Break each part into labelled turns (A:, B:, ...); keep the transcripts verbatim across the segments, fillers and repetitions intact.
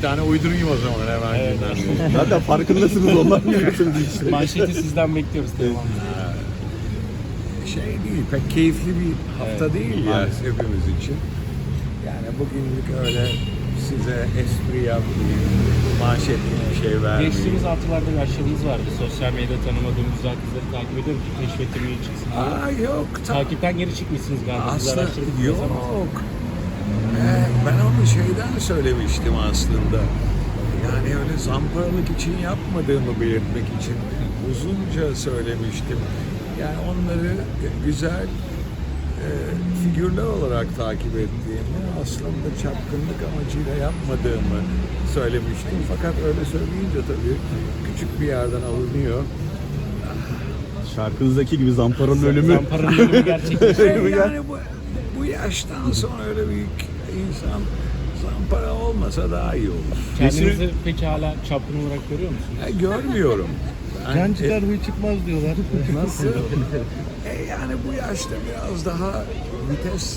A: tane uydurayım o zaman hemen.
B: Evet.
C: Zaten farkındasınız ondan geliyorsunuz işte.
B: Manşeti sizden bekliyoruz Teoman Bey.
A: Şey değil, pek keyifli bir hafta
B: Evet,
A: değil ya hepimiz için. Yani bugünlük öyle size espri yapmayayım, manşetli bir şey vermeyeyim.
B: Geçtiğimiz haftalarda bir aşırınız vardı. Sosyal medyada tanımadığım güzel kızları takip ediyorum ki keşfetime iyi çıksın diye.
A: Aa yok, tam
B: Takipten geri çıkmışsınız galiba. Biz
A: aslında
B: araştırdık, ne zaman?
A: yok. Ee, ben onu şeyden söylemiştim aslında. Yani öyle zamparalık için yapmadığımı belirtmek için uzunca söylemiştim. Yani onları güzel e, figürler olarak takip ettiğimi, aslında çapkınlık amacıyla yapmadığımı söylemiştim. Fakat öyle söyleyince tabii küçük bir yerden alınıyor.
C: Şarkınızdaki gibi Zampara'nın ölümü.
B: Zampara'nın ölümü gerçekleşti.
C: Ölümü gel-
A: Yani bu, bu yaştan sonra öyle büyük insan zampara olmasa daha iyi olur.
B: Kendinizi peki hala çapkın olarak görüyor musunuz?
A: E, görmüyorum. Ben-
D: Can çıkar huy çıkmaz diyorlar.
A: Nasıl? E, yani bu yaşta biraz daha vites.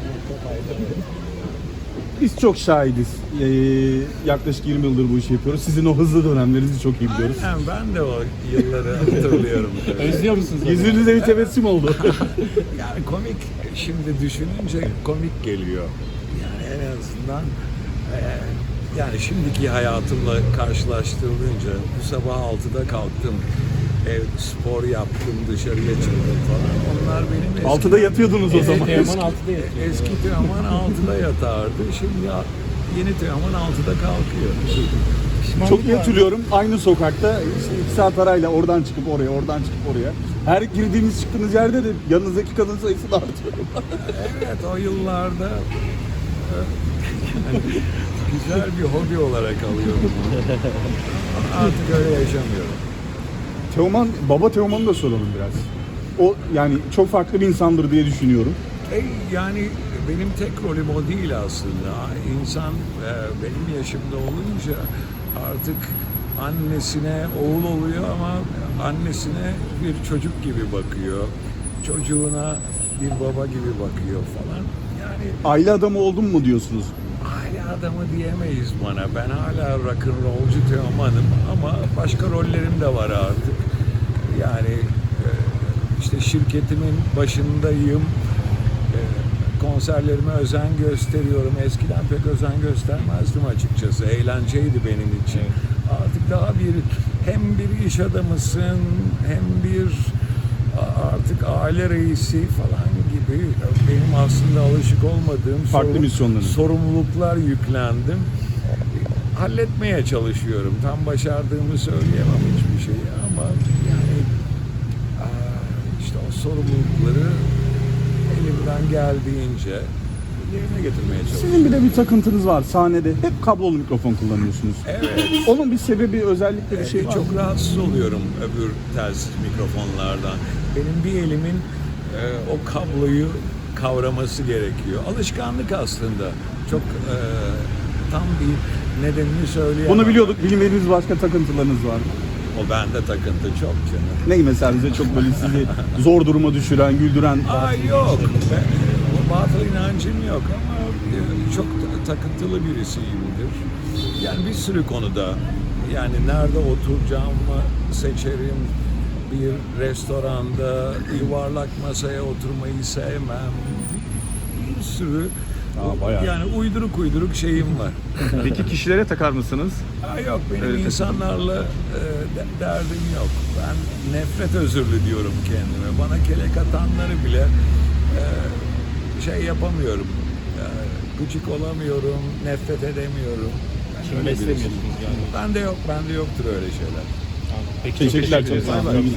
C: Biz çok şahidiz. Ee, yaklaşık yirmi yıldır bu işi yapıyoruz. Sizin o hızlı dönemlerinizi çok iyi biliyoruz.
A: Aynen, ben de o yılları hatırlıyorum. tabii.
B: Özlüyor musunuz? onu?
C: Yüzünüze bir tebessüm oldu.
A: Yani komik, şimdi düşününce komik geliyor. Yani en azından e, yani şimdiki hayatımla karşılaştırılınca bu sabah altıda kalktım. Ev, spor yaptım, dışarıya çıktım falan. Onlar benim eski...
C: Altıda yatıyordunuz o zaman.
B: Teoman altıda yatıyor.
A: Eski Teoman altıda yatardı. Şimdi yeni Teoman altıda kalkıyor.
C: Çok iyi hatırlıyorum. Aynı sokakta işte iki saat arayla oradan çıkıp oraya, oradan çıkıp oraya. Her girdiğiniz çıktığınız yerde de yanınızdaki kadın sayısı da artıyor.
A: Evet, o yıllarda e, yani güzel bir hobi olarak alıyorum bunu. Ama artık öyle yaşamıyorum.
C: Teoman, baba Teoman'ı da soralım biraz. O yani çok farklı bir insandır diye düşünüyorum.
A: E, yani benim tek rolüm o değil aslında. İnsan e, benim yaşımda olunca artık annesine oğul oluyor ama annesine bir çocuk gibi bakıyor. Çocuğuna bir baba gibi bakıyor falan. Yani
C: Aile adamı oldum mu diyorsunuz?
A: aile adamı diyemeyiz bana. Ben hala rock'n'rollcu Teoman'ım ama başka rollerim de var artık. Yani e, işte şirketimin başındayım. E, konserlerime özen gösteriyorum. Eskiden pek özen göstermezdim açıkçası. Eğlenceydi benim için. Artık daha bir hem bir iş adamısın hem bir a- artık aile reisi falan gibi benim aslında alışık olmadığım
C: Farklı
A: sorun-
C: misyonlarınız.
A: sorumluluklar yüklendim. Halletmeye çalışıyorum. Tam başardığımı söyleyemem hiçbir şeyi ama yani aa, işte o sorumlulukları elimden geldiğince yerine getirmeye çalışıyorum.
C: Sizin bir de bir takıntınız var sahnede. Hep kablolu mikrofon kullanıyorsunuz.
A: Evet.
C: Onun bir sebebi, özellikle bir şey var mı?
A: Çok rahatsız oluyorum öbür telsiz mikrofonlardan. Benim bir elimin e, o kabloyu kavraması gerekiyor. Alışkanlık aslında. Çok e, tam bir nedenini söyleyemem.
C: Bunu biliyorduk. Bilmediğiniz başka takıntılarınız var mı?
A: O bende takıntı çok canım.
C: Ne mesela bize çok böyle sizi zor duruma düşüren, güldüren...
A: Aa yok. Ben, o batıl inancım yok ama e, çok ta- takıntılı birisiyimdir. Yani bir sürü konuda yani nerede oturacağımı seçerim. Bir restoranda yuvarlak masaya oturmayı sevmem. Bir sürü
C: Aa, bayağı.
A: yani uyduruk uyduruk şeyim var.
C: Peki kişilere takar mısınız?
A: Aa, yok benim
C: Evet.
A: insanlarla e, de- derdim yok. Ben nefret özürlü diyorum kendime. Bana kelek atanları bile e, şey yapamıyorum. E, gıcık olamıyorum, nefret edemiyorum. Ben
B: Kim
A: öyle birisiyim.
B: beslemiyorsunuz yani?
A: Bende yok, bende yoktur öyle şeyler.
B: Peki, çok
C: Teşekkürler.
B: teşekkür
C: Çok
B: ederiz.
C: sağ olun.